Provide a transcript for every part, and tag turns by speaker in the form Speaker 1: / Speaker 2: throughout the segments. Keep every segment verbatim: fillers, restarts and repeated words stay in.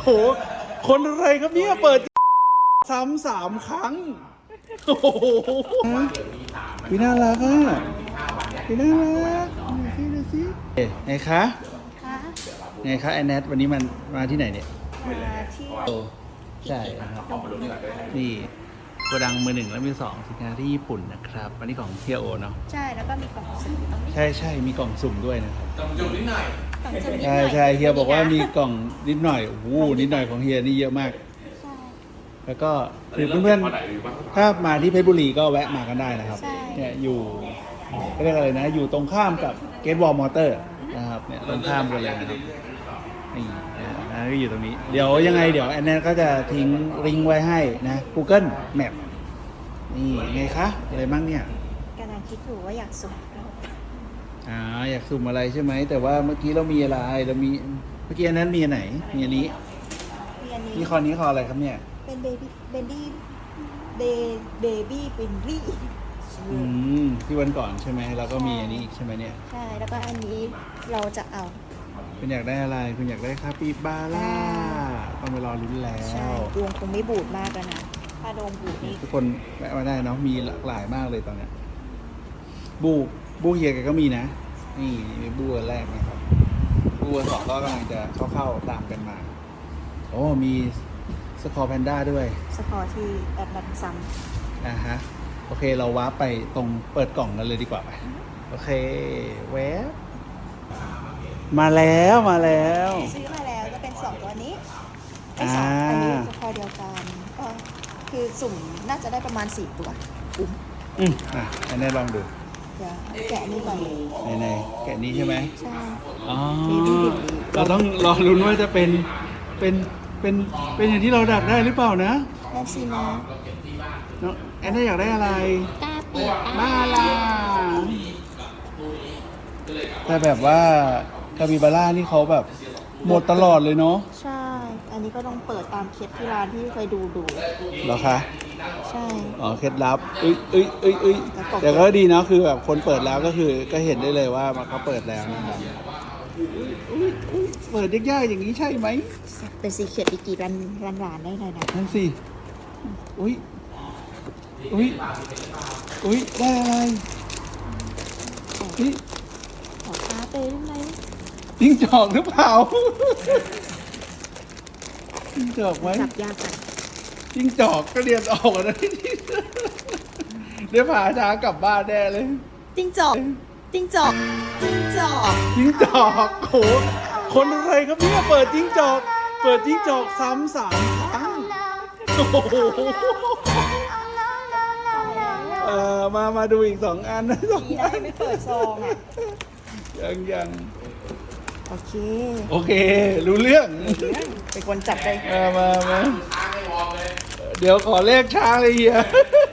Speaker 1: โหคนอะไรครับเนี่ยเปิดซ้ำสามครั้งโอ้โหพี่น่ารักอ่ะพี่น่ารักดูสิดูสิไงคะไงคะแอนแนทวันนี้มันมาที่ไหนเนี่ย
Speaker 2: มาที่
Speaker 1: โอ้ใช่ครับนี่โกดังมือหนึ่งและมือสองสินค้าที่ญี่ปุ่นนะครับวันนี้ของเฮียโอเนาะ
Speaker 2: ใช่แล้วก็มีกล่องสุ่มตรงนี้
Speaker 1: ใช่ใช่มีกล่องสุ่มด้วยนะครับ
Speaker 3: กล่องจุ่มนิดหน่อย
Speaker 2: กล่องสุ่มนิดห
Speaker 1: ใช่
Speaker 2: น่อย
Speaker 1: ใช่เฮียบอกว่ามีกล่องนิดหน่อยโอ้โหนิดหน่อยของเฮียนี่เยอะมากแล้วก็คือเพื่อนๆถ้ามาที่เพชรบุรีก็แวะมากันได้นะครับเนี่ยอยู่เรียกอะไรนะอยู่ตรงข้ามกับเกตบอลมอเตอร์นะครับเนี่ยตรงข้ามกันเลยนะครับนี่นะก็อยู่ตรงนี้เดี๋ยวยังไงเดี๋ยวแอนแนนก็จะทิ้งลิงก์ไว้ให้นะ Google Map นี่ไงคะอะไรบ้างเนี่ย
Speaker 2: กำลังคิดอยู่ว่าอยากสุ่ม
Speaker 1: อ่าอยากสุ่มอะไรใช่ไหมแต่ว่าเมื่อกี้เรามีอะไรเรามีเมื่อกี้อันนั้นมีอันไหนมีอันนี้
Speaker 2: มีอันนี้
Speaker 1: นี่คอนี้คออะไรครับเนี่ย
Speaker 2: เป็นเบบี้เบบี้เบเบบี้เป็นรี่
Speaker 1: อืมที่วันก่อนใช่ไหมเราก็มีอันนี้อีกใช่ไหมเนี่ย
Speaker 2: ใช่แล้วก็อันนี้เราจะเอา
Speaker 1: คุณอยากได้อะไรคุณอยากได้คาปิบาร่าต้องไปรอลุ้นแล้ว
Speaker 2: ใช่ดวงคงไม่บูดมากแล้วนะถ้าโดนบูดนี่
Speaker 1: ทุกคนแวะมาได้เนาะมีหลากหลายมากเลยตอนเนี้ยบูบูเฮียแกก็มีนะนี่มีบูแรกนะครับบูสองก็กำลังจะเข้าๆตามกันมาโอ้มีสกอร์แพนด้าด้วย
Speaker 2: สกอร์ที่แอดบันซัม
Speaker 1: อ่าฮะโอเคเราว้าไปตรงเปิดกล่องกันเลยดีกว่าไปโอเคแวบมาแล้วมาแล้ว
Speaker 2: ซื้อมาแล้วก็เป็นสองตัวนี้ไอ้สองอันนี้สกอร์เดียวกันก็คือสุ่มน่าจะได้ประมาณสี่ตัวอุ้ม
Speaker 1: อืมอ่ะอันนี้ลองดู
Speaker 2: เดี๋ยวแกะนี่ก่อน
Speaker 1: ไหนๆแกะนี้ใช่ไหม
Speaker 2: ใช่
Speaker 1: อ๋อเราต้องรอลุ้นว่าจะเป็นเป็นเป็นเป็นอย่างที่เราดักได้หรือเปล่านะ
Speaker 2: นั่นสินะ
Speaker 1: น้องแอนน่าอยากได้อะไร
Speaker 2: กาปิ
Speaker 1: มาลาแต่แบบว่าคาปิบาร่านี่เขาแบบหมดตลอดเลยเนาะ
Speaker 2: ใช่อันนี้ก็ต้องเปิดตามเคล็ดที่ร้านที่เคยดูดู
Speaker 1: เหรอคะ
Speaker 2: ใช่
Speaker 1: อ๋อเคล็ดลับเอ้ยเอ้ยเอ้ยเอ้ยแต่ก็ดีเนาะคือแบบคนเปิดแล้วก็คือก็เห็นได้เลยว่ามันเขาเปิดแล้วนะครับเปิดยากๆอย่างนี้ใช่ไหม
Speaker 2: เป็นสีเขียดอีกกี่รันรันหวานได้เลยนะ
Speaker 1: นั่นสิอุ้ยอุ้ยอุ้ยได้อะไรนี่
Speaker 2: ขอค้าไปได้ไหม
Speaker 1: จิ้งจอกหรือเปล่าจิ้งจอกไหม
Speaker 2: จับยากจัง
Speaker 1: จิ้งจอกก็เรียนออกนะเดี๋ยวพาช้ากลับบ้านแน่เลย
Speaker 2: จิ้งจอกจิ้งจอกจิ้งจอก
Speaker 1: จิ้งจอกโหคนอะไรครับเนี่ยเปิดจิ้งจอกเปิดจิ้งจอกซ้ำสามครั้งโอ้โหเออมามาดูอีกสองอันนะสองอัน
Speaker 2: ไม่เปิดซองอ่ะ
Speaker 1: ยังยัง
Speaker 2: โอเค
Speaker 1: โอเครู้เรื่อง
Speaker 2: เป็นคนจับไป
Speaker 1: มามามาเดี๋ยวขอเลขช้างเลยเฮีย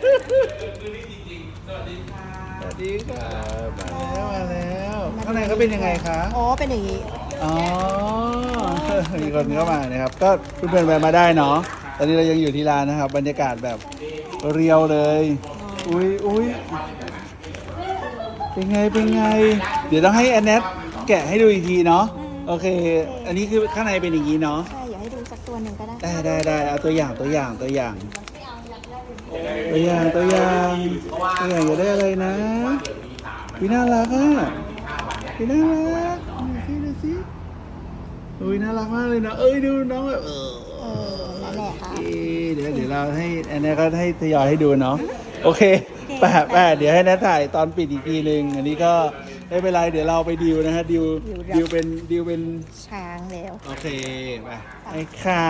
Speaker 1: สวัสดีค่ะมาแล้วมาแล้วข้างในเขาเป็นยังไงคะ
Speaker 2: อ๋อเป็นอย่างนี้
Speaker 1: อ๋อมีคนเข้ามานะครับก็เพื่อนๆไปมาได้เนาะตอนนี้เรายังอยู่ที่ร้านนะครับบรรยากาศแบบเรียวเลยอุ้ยอุ้ยเป็นไงเป็นไงเดี๋ยวต้องให้แอนแนทแกะให้ดูอีกทีเนาะโอเคอันนี้คือข้างในเป็นอย่างนี้เนาะ
Speaker 2: ใช่อยากให้ดูสักตัวหนึ่งก็ได้
Speaker 1: ได้ได้ได้เอาตัวอย่างตัวอย่างตัวอย่างตัวอย่างตัวอย่างตัวอย่างจะได้อะไรนะพี่น่ารักอ่ะพี่น่ารักดูสิดูสิอุ้ยน่ารักมากเลยนะเอ้ยดูน้องแบบเออ
Speaker 2: นั่นแหละค่ะ
Speaker 1: เดี๋ยวเดี๋ยวเราให้อันนี้ก็ให้ทยอยให้ดูเนาะโอเคแปะแปะเดี๋ยวให้นัทถ่ายตอนปิดอีกทีหนึ่งอันนี้ก็ไม่เป็นไรเดี๋ยวเราไปดิวนะฮะดิวดิวเป็นดิวเป็น
Speaker 2: ช้างแล้ว
Speaker 1: โอเคไปไอ้ค่ะ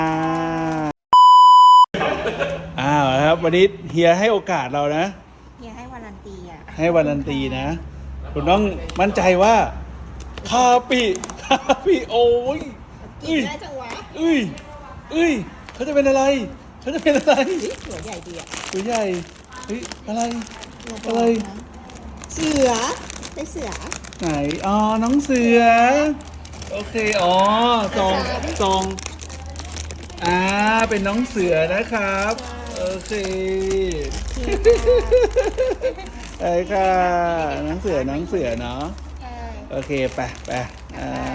Speaker 1: อ้าวครับวันนี้เฮียให้โอกาสเรานะ
Speaker 2: เฮียให้วารันตีอ่ะ
Speaker 1: ให้วารันตีนะคุณต้องมั่นใจว่าคาปิคาปิโอ้ย
Speaker 2: กินได้จังวะ
Speaker 1: เอ้ยเอ้ยเขาจะเป็นอะไรเขาจะเป็นอะไร
Speaker 2: ตัวใหญ่ดีอ่ะ
Speaker 1: ตัวใหญ่เฮ้ยอะไรอะไร
Speaker 2: เสือได้เสือ
Speaker 1: ไหนอ๋อน้องเสือโอเคอ๋อซองซองอ่าเป็นน้องเสือนะครับโอเคไอ้ค่ะน้องเสือน้องเสือเนาะโอเคไปไปอ่า